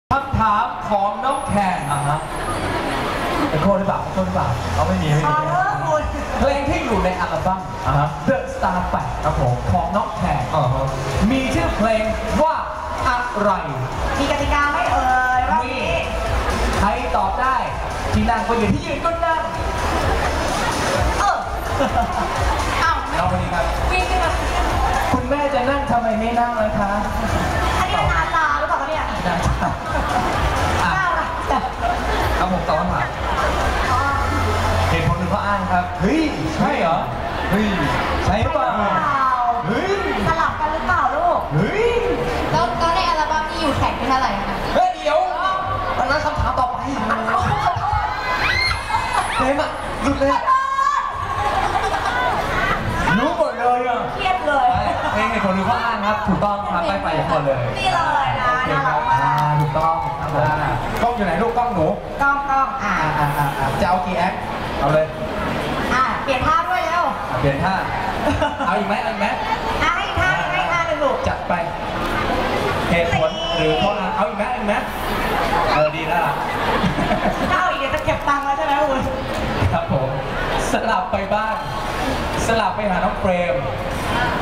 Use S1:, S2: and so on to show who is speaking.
S1: คำถามของน้องแคนเป็นโค้ดหรือเปล่าเขาไม่มีเพลงที่อยู่ในอัลบั้มThe Star 8ครับผมของน้องแคนมีชื่อเพลงว่าอะไร
S2: มีกติกาไม่เอ่ยว่ามี
S1: ใครตอบได้ที่นั่งก็อยู่ที่ยืนก็นั่งเอาไปดีครับ
S2: วิ่งขึ้นมา
S1: คุณแม่จะนั่งทำไมไม่นั่งเลยคะ
S2: อันนี้เป็นนาตาหรือเปล่าเนี่ย
S1: ครับผมตอบคำถามเหตุผลหนึ่งเขาอ้างครับเฮ้ยใช่เหรอเฮ้ยใช่หรือเปล่าเฮ้ย
S2: สลับกันหรือเปล่าลูก
S1: เฮ้ย
S2: แล้วในอัลบั้มนี้อยู่แข่งเป็นเท่าไหร่คะ
S1: เฮ้ยเดี๋ยวอันนั้นคำถามต่อไปเต็มอ่ะหลุดเลยรู้หมดเลยอ่ะ
S2: เครียดเลย
S1: เพลงเหตุผลหนึ่งเขาอ้างครับถูกต้องครับไปอย่างคนเลย
S2: นี่เลยนะ
S1: น่ารักมากถูกต้องกล้องอยู่ไหนลูกกล้องหนู
S2: กล้อง
S1: จะเอากี่แอคเอาเลย
S2: เปลี่ยนท่าด้วยเร็ว
S1: เปลี่ยนท่าเอาอีกไหม
S2: ให้ท่าหนึ่งลูก
S1: จัดไปเหตุผลหรือข้ออ้างเอาอีกไหมดีแล้วล่ะ
S2: ถ้าเอาอีกเดี๋ยวจะเก็บตังค์แล้วใช่ไหมคุณ
S1: ครับผมสลับไปบ้านสลับไปหาน้องเฟรม